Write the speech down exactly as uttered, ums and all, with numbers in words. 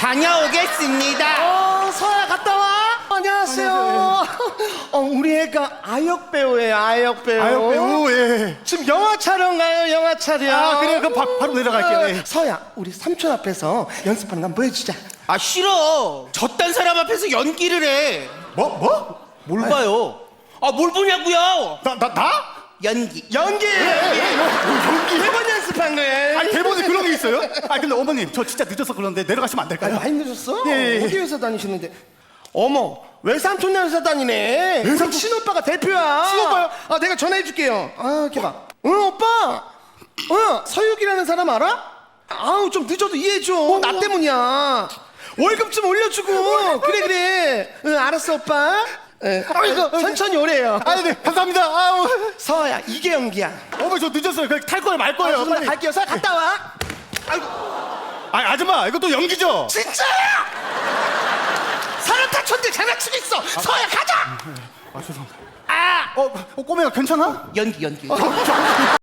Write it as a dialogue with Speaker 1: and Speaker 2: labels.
Speaker 1: 다녀오겠습니다.
Speaker 2: 어, 서야 갔다 와. 안녕하세요. 어, 우리 애가 아역 배우예요. 아역 배우.
Speaker 3: 아역 배우, 예.
Speaker 2: 지금 영화 촬영 가요. 영화 촬영.
Speaker 3: 아, 그래요? 그럼 바, 바로 내려갈게요. 예.
Speaker 2: 어, 서야, 우리 삼촌 앞에서 연습하는 거 한번 보여주자.
Speaker 1: 아 싫어. 저딴 사람 앞에서 연기를 해.
Speaker 3: 뭐? 뭐?
Speaker 1: 뭘 봐요? 아 뭘 보냐고요?
Speaker 3: 나, 나, 나?
Speaker 1: 연기.
Speaker 2: 연기.
Speaker 3: 연기?
Speaker 2: 대본 연습한 거예요.
Speaker 3: 아니, 대본에 그런 게 있어요? 아, 근데 어머님, 저 진짜 늦어서 그런데 내려가시면 안
Speaker 2: 아유,
Speaker 3: 될까요?
Speaker 2: 많이 늦었어?
Speaker 3: 예, 예, 예.
Speaker 2: 어디 회사 다니시는데? 어머, 외삼촌네 회사 다니네.
Speaker 3: 외삼촌?
Speaker 2: 친오빠가 대표야.
Speaker 3: 친오빠요?
Speaker 2: 아, 내가 전화해줄게요. 아, 이렇게 봐. 응, 오빠. 어, 서육이라는 사람 알아? 아우, 좀 늦어도 이해해줘. 나 때문이야. 월급 좀 올려주고. 그래, 그래. 응, 알았어, 오빠. 예. 아이고, 천천히 오래요.
Speaker 3: 아, 네, 감사합니다. 아우.
Speaker 2: 서야, 이게 연기야.
Speaker 3: 어머니, 저 늦었어요. 그냥 탈 거예요, 말
Speaker 2: 아,
Speaker 3: 거예요.
Speaker 2: 죄송합니다.
Speaker 3: 빨리.
Speaker 2: 갈게요. 서야, 갔다 와.
Speaker 3: 아, 아줌마, 이것도 연기죠?
Speaker 2: 진짜야! 사람 다쳤는데 장난치고 있어. 서야, 가자.
Speaker 3: 아, 죄송합니다.
Speaker 2: 아,
Speaker 3: 어, 어 꼬매가 괜찮아?
Speaker 1: 연기 연기.